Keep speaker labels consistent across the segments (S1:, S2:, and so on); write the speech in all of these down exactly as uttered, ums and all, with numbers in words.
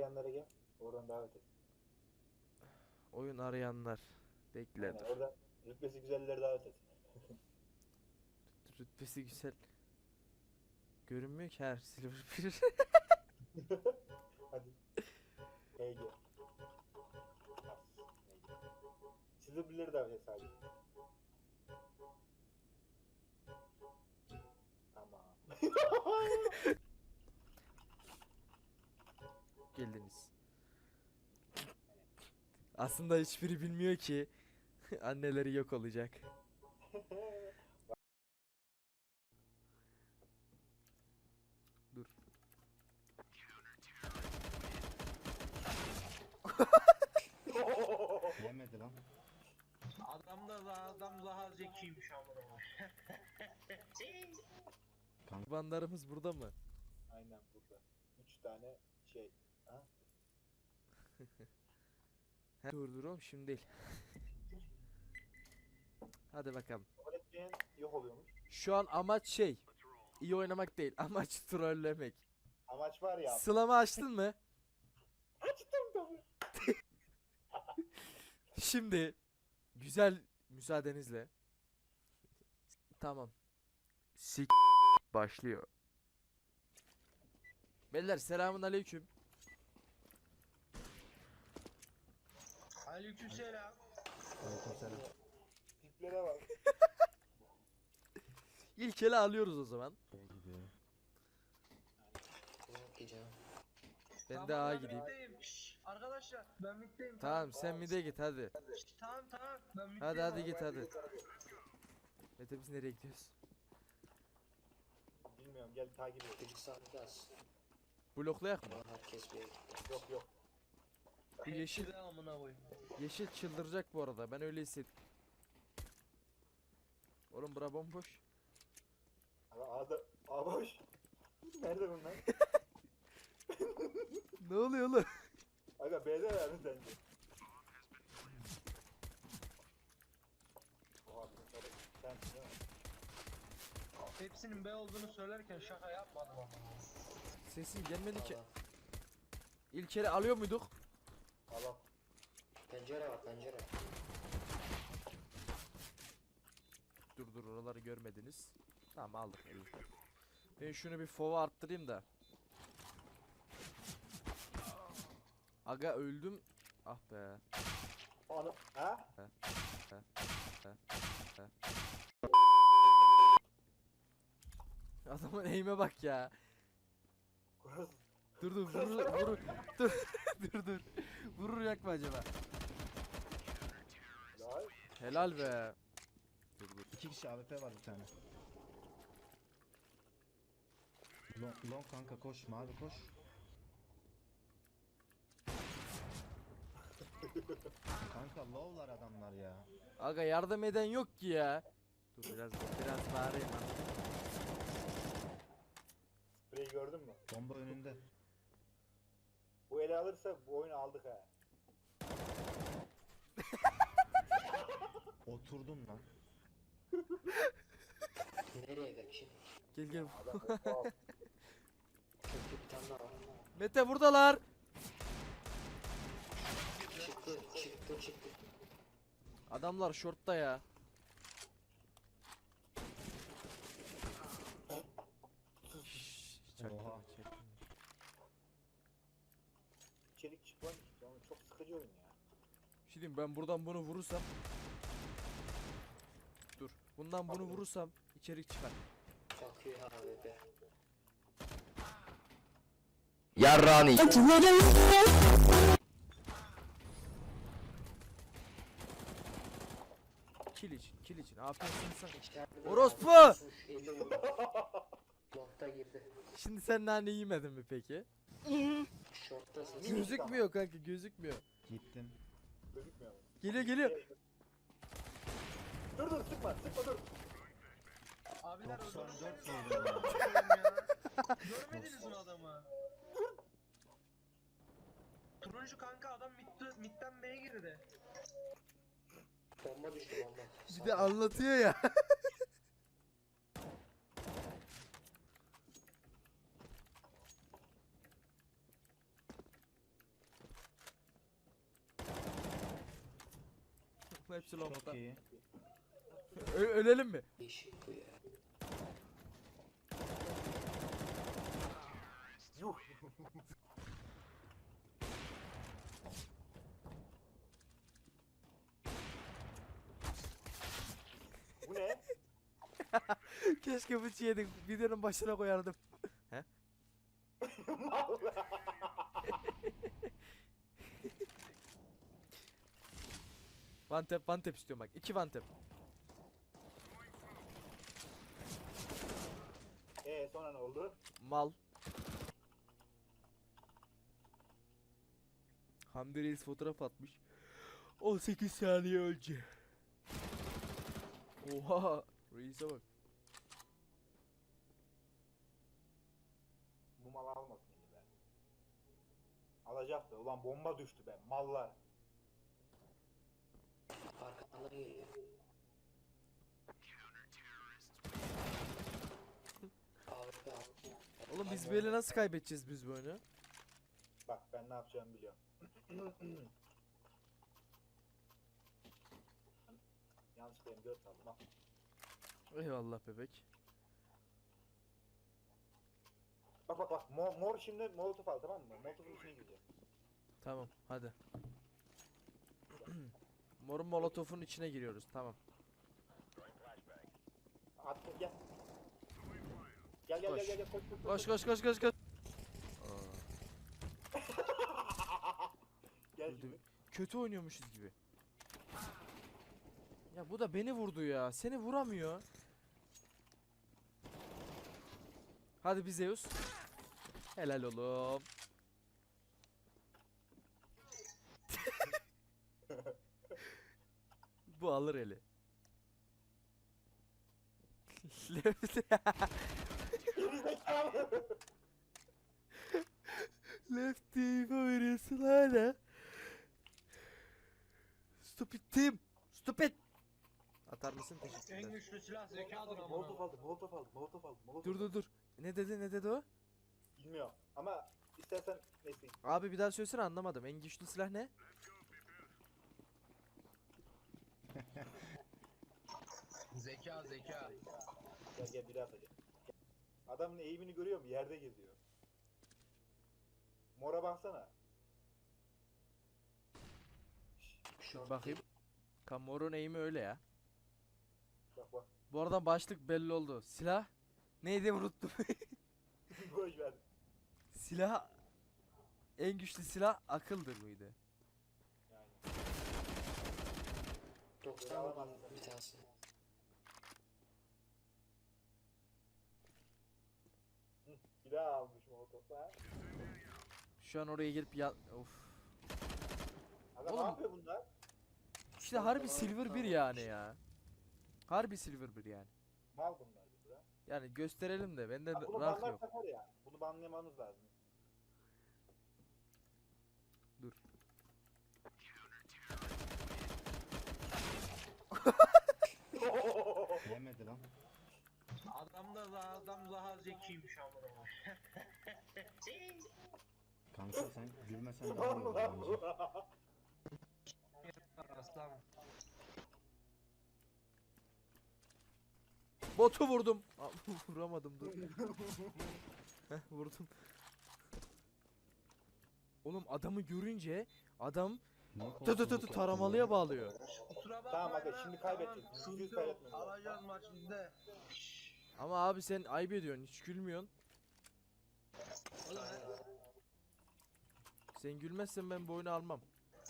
S1: arayanlara gel. Oradan davet et.
S2: Oyun arayanlar. Bekle
S1: Aynen,
S2: dur.
S1: oradan rütbesi güzelleri davet et.
S2: Rütbesi güzel. Görünmüyor ki her silver bir.
S1: Hadi. H G. Silver birleri davet et sadece. Tamam.
S2: Geldiniz. Aslında hiçbiri bilmiyor ki anneleri yok olacak. Dur.
S3: Yemedi lan.
S4: Adam da daha, adam daha zekiymiş amına.
S2: Kurbanlarımız burada mı?
S1: Aynen burada. Üç tane şey. Ha?
S2: He, dur dur oğlum şimdi değil. Hadi bakalım.
S1: Kabul etmeyen yok oluyormuş.
S2: Şu an amaç şey. İyi oynamak değil. Amaç trollemek.
S1: Amaç var ya.
S2: Sılama açtın mı?
S1: Açtım tabii.
S2: Şimdi güzel müsaadenizle. Tamam. Sik başlıyor. Beyler selamun aleyküm.
S4: Aleykümselam.
S3: Aleykümselam.
S1: Tiplere bak.
S2: İlk ele alıyoruz o zaman. Ben de A gideyim.
S4: Middeyim. Şşş, arkadaşlar ben middeyim.
S2: Tamam sen mide git hadi.
S4: Şşş, tamam tamam ben middeyim.
S2: Hadi hadi git hadi. Mete biz nereye gidiyoruz?
S1: Bilmiyorum, gel takip et.
S5: Çocuk sahnesi.
S2: Bloklayak mı?
S5: Herkes bir yere gitti.
S1: Yok yok.
S2: Bu yeşil
S4: Hepsi de amına koyayım.
S2: yeşil çıldıracak bu arada. Ben öyle hissettim. Oğlum bura bomboş.
S1: Aga A'da A boş. Nerede bunlar?
S2: Ne oluyor oğlum?
S1: Aga B'de verdi sence. Oha bunları sensin değil mi?
S4: Hepsinin B olduğunu söylerken şaka yapmadım ama.
S2: Sesin gelmedi ki.
S5: Valla.
S2: İlk ele alıyor muyduk?
S1: Al al.
S5: Pencere var pencere.
S2: Dur dur oraları görmediniz. Tamam aldık eli. Ben şunu bir fova arttırayım da. Aga öldüm. Ah be.
S1: Onu. Ha?
S2: Adamın eğime bak ya.
S1: Kuraz.
S2: Dur dur vurur vurur. Dur dur dur. Vurur yak mı acaba?
S1: Lay.
S2: Helal be. Dur dur.
S3: İki kişi A W P var bir tane. Long, long kanka koş mavi koş. Kanka low'lar adamlar ya.
S2: Aga yardım eden yok ki ya. Dur biraz biraz bağırayım lan.
S1: Spreyi gördün mü?
S3: Bomba önünde.
S1: Bu ele alırsa bu oyunu aldık ha.
S3: Oturdum lan.
S5: Nereye kaçayım?
S2: Gel gel.
S1: Adam wow.
S5: Köprü bir tane daha var.
S2: Mete buradalar.
S5: Çıktı çıktı çıktı.
S2: Adamlar shortta ya. Şşş, çaktırma,
S3: Oha.
S2: çaktırma.
S1: İçerik çıkmaz ki. Oğlum çok sıkıcı oyun ya.
S2: Bir şey diyeyim, ben buradan bunu vurursam. Dur. Bundan bunu vurursam içerik çıkar.
S5: Bakıyor abi be.
S2: Yarrani. Kill için, kill için. Aferin sana.
S5: İçeride
S2: Orospu!
S5: abi, sus, eli vurdu. Long'da girdi.
S2: Şimdi sen nane yemedin mi peki?
S5: Short'tasın.
S2: Gözükmüyor kanka, gözükmüyor.
S3: Gittim.
S1: Gözükmüyor mu?
S2: Geliyor geliyor.
S1: Dur dur sıkma sıkma dur.
S4: Abiler
S3: doksan dört
S4: öldürseniz
S3: vurdum
S4: ya. Görmediniz mi adamı? Turuncu kanka adam mid, midden B'ye girdi.
S5: Bomba düştü bomba.
S2: Bir de anlatıyor ya. Hepsi
S3: Çok
S2: longta.
S3: iyi.
S2: Ö- ölelim mi?
S5: Değişik bu ya.
S1: Yuh. Bu ne?
S2: Keşke bıçı yedik. Videonun başına koyardım.
S1: Mal.
S2: One tap one tap istiyorum bak. İki one tap.
S1: Ee sonra ne oldu?
S2: Mal. Hamdi Reis fotoğraf atmış. on sekiz saniye önce. Oha. Reis'e bak.
S1: Bu mal almasın beni be. Alacak be. Ulan bomba düştü be. Mallar.
S5: Arkadan geliyor. Abi abi.
S2: Oğlum biz böyle nasıl kaybedeceğiz biz bu oyunu?
S1: Bak ben ne yapacağımı biliyorum. Yanlışlıkla M dört aldım. Bak.
S2: Eyvallah bebek.
S1: Bak bak bak. Mor, mor şimdi molotof al, tamam mı? Molotofun içine gireceğiz.
S2: Tamam hadi. Morun molotofun içine giriyoruz. Tamam.
S1: Attım gel. Gel gel
S2: Koş.
S1: gel gel gel koş koş
S2: Koş koş koş koş koş.
S1: Gel
S2: Dur,
S1: şimdi.
S2: kötü oynuyormuşuz gibi. Ya bu da beni vurdu ya. Seni vuramıyor. Hadi bir Zeus. Helal oğlum. Bu alır eli.
S1: Gerizekalı.
S2: Lefty veriyorsun hala. Stupid team. Stupid. Atar mısın?
S4: En
S2: Teşekkürler.
S4: güçlü silah zekadır amına.
S1: Molotof aldım, molotof aldım, molotof aldım, molotof
S2: Dur dur dur. Ne dedi ne dedi o?
S1: Bilmiyorum ama istersen neyse.
S2: Abi bir daha söylesene, anlamadım. En güçlü silah ne?
S4: Zeka zeka.
S1: Gel gel biri atacak. Adamın eğimini görüyor musun? Yerde geziyor. Mora baksana.
S5: Short
S2: Bakayım. Kamorun eğimi öyle ya.
S1: Bak bak.
S2: Bu arada başlık belli oldu. Silah neydi unuttum.
S1: Boş ver.
S2: Silah en güçlü silah akıldır mıydı?
S1: Yani.
S5: doksan vurdum bir tanesi.
S1: Bir daha almış molotof ha.
S2: Şu an oraya gelip ya of.
S1: Aga
S2: Oğlum.
S1: ne yapıyor bunlar?
S2: İşte harbi silver bir yani ya. Harbi silver bir yani.
S1: Mal bunlar bir bura.
S2: Yani gösterelim de bende
S1: Ha, bunu
S2: rank
S1: banlar
S2: yok.
S1: takar ya. Bunu banlamamız lazım.
S2: Dur.
S3: Yemedi lan.
S4: Adam da daha, adam daha zekiymiş amına.
S3: Kanka sen gülmesen daha iyi
S1: Var mı
S3: olur
S1: lan
S3: bence.
S1: bu?
S4: Aslan.
S2: Botu vurdum. Aa, vuramadım dur. Heh, vurdum. Oğlum adamı görünce adam
S3: Niye
S2: tı tı tı
S3: korkuyorsun
S2: tı
S3: ki?
S2: taramalıya bağlıyor.
S4: Kusura bakma.
S1: Tamam aga,
S4: ya,
S1: şimdi
S4: tamam,
S1: kaybedecek.
S4: sıkıntı
S1: Yüz yüz
S4: yok.
S1: kaybetmemiz lazım.
S4: Alacağız maç bizde.
S2: Ama abi sen ayıp ediyorsun, hiç gülmüyorsun.
S4: Oğlum,
S2: Sen gülmezsen ben bu oyunu almam.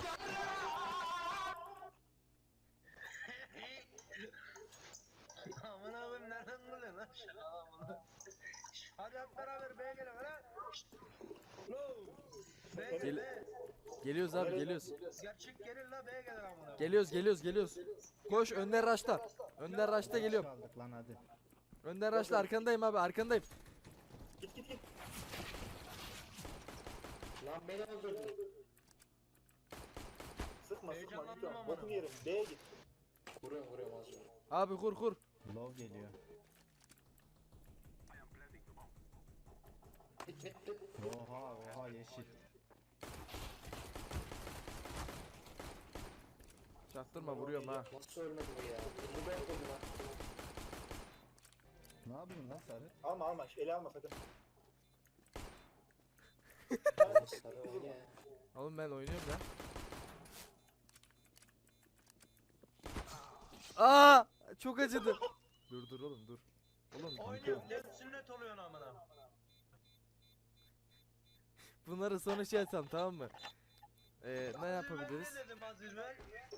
S4: amına koyayım nereden buluyorsun lan şu adamını? Hadi hep beraber B'ye gelin lan. Lo. B
S2: Gel-
S4: B.
S2: Geliyoruz abi,
S1: Nereye
S2: geliyoruz.
S4: Gerçek gelin la B'ye gelin amına.
S2: Geliyoruz, geliyoruz, geliyoruz. Koş Önder Raş'ta. Önder Raş'ta
S3: Geç
S2: geliyorum.
S3: kaldık lan hadi.
S2: Önder Raş'ta arkandayım abi, arkandayım.
S1: Git git git.
S5: Lan beni öldürdü.
S1: Sıkma sıkma
S4: Heyecanlandım
S1: lütfen.
S4: ama.
S1: Bokunu yerim. B'ye git.
S5: Vuruyorum vuruyorum az önce.
S2: Abi kur kur.
S3: Low geliyor.
S5: Bit bit bit.
S3: Oha oha yeşil.
S2: Çaktırma vuruyorum ha.
S5: Nasıl ölmedi bu ya? Bu ben öldüm lan.
S3: Ne yapıyorsun lan Sarı?
S1: Alma alma. Eli alma sakın.
S5: Sarı oynuyor.
S2: Oğlum ben oynuyorum ya. Aa! Çok acıdı. Dur dur oğlum dur. Oğlum
S4: Oynuyorum. Ne sünnet oluyorsun amına.
S2: bunları sonra şey etsem tamam mı? Ee, ne yapabiliriz?
S4: Ne dedim Aziz Bey?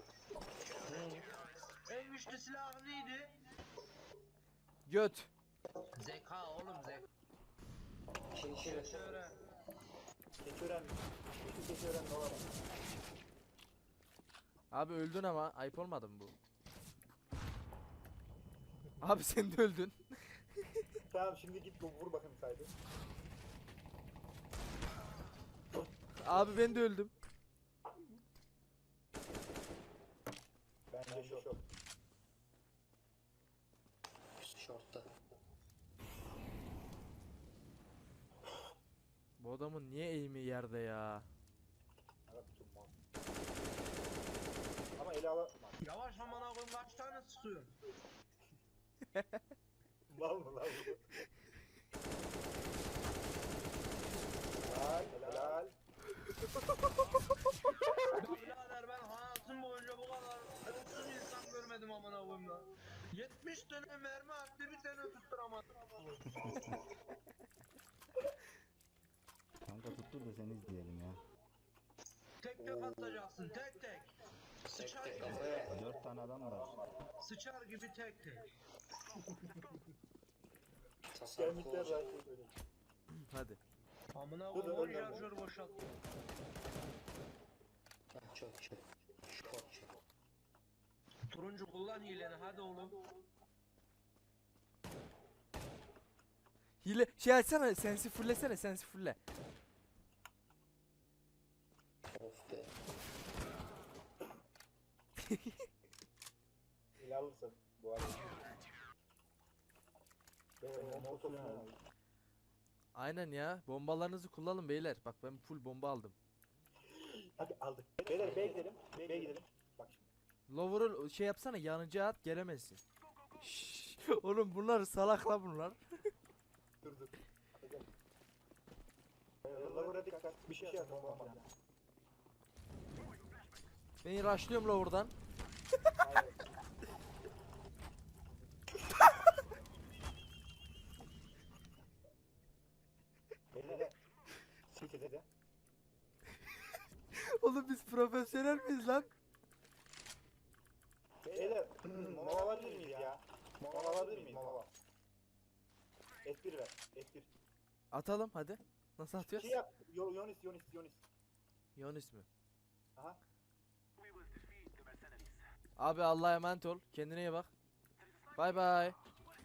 S4: En güçlü silah neydi?
S2: Göt.
S4: Zeka oğlum zeka.
S5: Şimdi şimdi.
S4: Şöyle.
S1: Keçören. Şu keçören ne var?
S2: Abi öldün ama ayıp olmadı mı bu? Abi sen de öldün.
S1: Tamam şimdi git vur bakayım saydı.
S2: Abi ben de öldüm.
S1: Bence şu şu.
S5: Şortta.
S2: Bu adamın niye eğimi yerde ya?
S1: Evet tutmaz. Ama eli alamaz.
S4: Yavaş amına koyayım kaç tane sıkıyorsun?
S1: Mal mı lan bu? Helal helal.
S4: Birader ben hayatım boyunca bu kadar ölümsüz insan görmedim amına koyayım lan. yetmiş tane mermi attı bir tane tutturamadım.
S3: Kanka tuttur da seni izleyelim ya.
S4: Tek tek atacaksın tek tek. Sıçar
S5: tek
S4: gibi.
S5: kafaya.
S3: Dört tane adam var.
S4: Sıçar gibi tek tek.
S5: Tasarruf
S1: Gelmişler
S5: olacak.
S1: zaten böyle.
S2: Hadi.
S4: Amına
S1: Dur, dur,
S4: koyayım on
S1: dur, dur.
S4: şarjör boşalttı.
S5: Ah, çok çok. Çok çok.
S4: Turuncu kullan hileni hadi oğlum.
S2: Hile şey açsana sensi fullesene sensi fulle.
S5: Of be.
S1: Eli alırsın bu arada. Ben o topunu aldım.
S2: Aynen ya bombalarınızı kullanın beyler. Bak ben full bomba aldım.
S1: Hadi aldık. Beyler B'ye gidelim. B'ye gidelim. Bak şimdi.
S2: Lower'ı şey yapsana yanıcı at gelemezsin. Şşş, oğlum bunlar salakla bunlar.
S1: Dur dur. Atacağım. Lower'a dikkat. Bir şey at. Bomba falan.
S2: Ben rushlıyorum Lower'dan.
S1: Hayır. Beyler. Siktir de.
S2: Oğlum biz profesyonel miyiz lan?
S1: Beyler. Mola alabilir miyiz ya? Mola alabilir miyiz? Mola. F bir ver. F bir.
S2: Atalım hadi. Nasıl
S1: Şey
S2: atıyoruz?
S1: yap. Yo- Yonis Yonis Yonis.
S2: Yonis mi?
S1: Aha.
S2: Abi Allah'a emanet ol. Kendine iyi bak. Bay bay.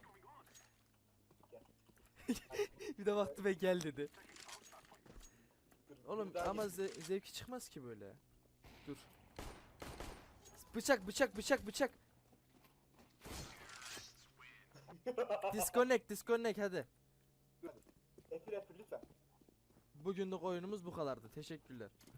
S2: Bir de baktı ve gel dedi.
S1: Dur,
S2: Oğlum
S1: bir daha
S2: ama
S1: git.
S2: ze- zevki çıkmaz ki böyle. Dur. Bıçak bıçak bıçak bıçak. Disconnect disconnect hadi.
S1: F bir F bir lütfen.
S2: Bugünlük oyunumuz bu kadardı. Teşekkürler.